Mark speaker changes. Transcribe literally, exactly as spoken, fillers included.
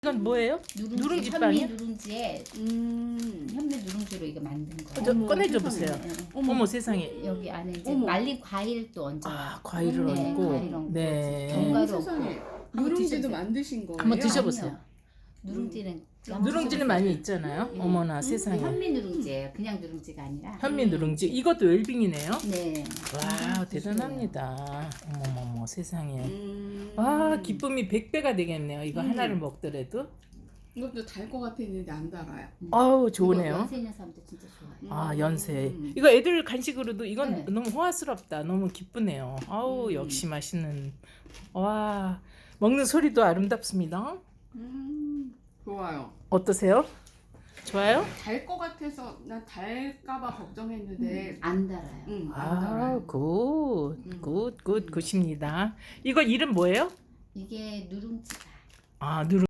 Speaker 1: 이건 뭐예요?
Speaker 2: 누룽지,
Speaker 1: 누룽지
Speaker 2: 현미
Speaker 1: 빵이요?
Speaker 2: 누룽지에
Speaker 3: 음.
Speaker 2: 현미 누룽지로 이거 만든 거예요.
Speaker 1: 저
Speaker 3: 어머,
Speaker 1: 꺼내줘
Speaker 3: 세상에.
Speaker 1: 보세요.
Speaker 2: 네, 네.
Speaker 3: 어머,
Speaker 1: 어머 세상에.
Speaker 2: 여기 안에 이제
Speaker 3: 어머.
Speaker 2: 말린 과일 또 얹어요.
Speaker 1: 아 과일을
Speaker 2: 네,
Speaker 1: 얹고.
Speaker 2: 과일 얹고
Speaker 1: 네.
Speaker 2: 견과류
Speaker 3: 세상에.
Speaker 2: 한번
Speaker 3: 누룽지도
Speaker 2: 드셔보세요.
Speaker 3: 만드신 거예요?
Speaker 1: 한번 드셔보세요.
Speaker 2: 아니요. 누룽지는
Speaker 1: 누룽지는 많이 있잖아요.
Speaker 2: 네.
Speaker 1: 어머나
Speaker 2: 음,
Speaker 1: 세상에.
Speaker 2: 현미 누룽지예요. 그냥 누룽지가 아니라.
Speaker 1: 현미 누룽지. 이것도 웰빙이네요.
Speaker 2: 네.
Speaker 1: 와 대단합니다. 어머머머 세상에.
Speaker 3: 음.
Speaker 1: 와 기쁨이 백 배가 되겠네요. 이거
Speaker 3: 음.
Speaker 1: 하나를 먹더라도.
Speaker 3: 이것도 달 것 같아 있는데 안 달아요.
Speaker 1: 아우
Speaker 2: 이거
Speaker 1: 좋으네요.
Speaker 2: 연세 있는 사람들 진짜 좋아해요.
Speaker 1: 아
Speaker 3: 음.
Speaker 1: 연세.
Speaker 3: 음.
Speaker 1: 이거 애들 간식으로도 이건
Speaker 2: 네.
Speaker 1: 너무 호화스럽다. 너무 기쁘네요. 아우
Speaker 3: 음.
Speaker 1: 역시 맛있는. 와 먹는 소리도 아름답습니다.
Speaker 3: 음. 좋아요.
Speaker 1: 어떠세요? 좋아요?
Speaker 3: 달 것 같아서 난 달까봐 걱정했는데
Speaker 2: 안 달아요.
Speaker 3: 음, 안
Speaker 1: 아,
Speaker 3: 달아요.
Speaker 1: 굿,
Speaker 3: 음.
Speaker 1: 굿, 굿, 굿입니다. 이거 이름 뭐예요?
Speaker 2: 이게 누룽지가.
Speaker 1: 아, 누룽.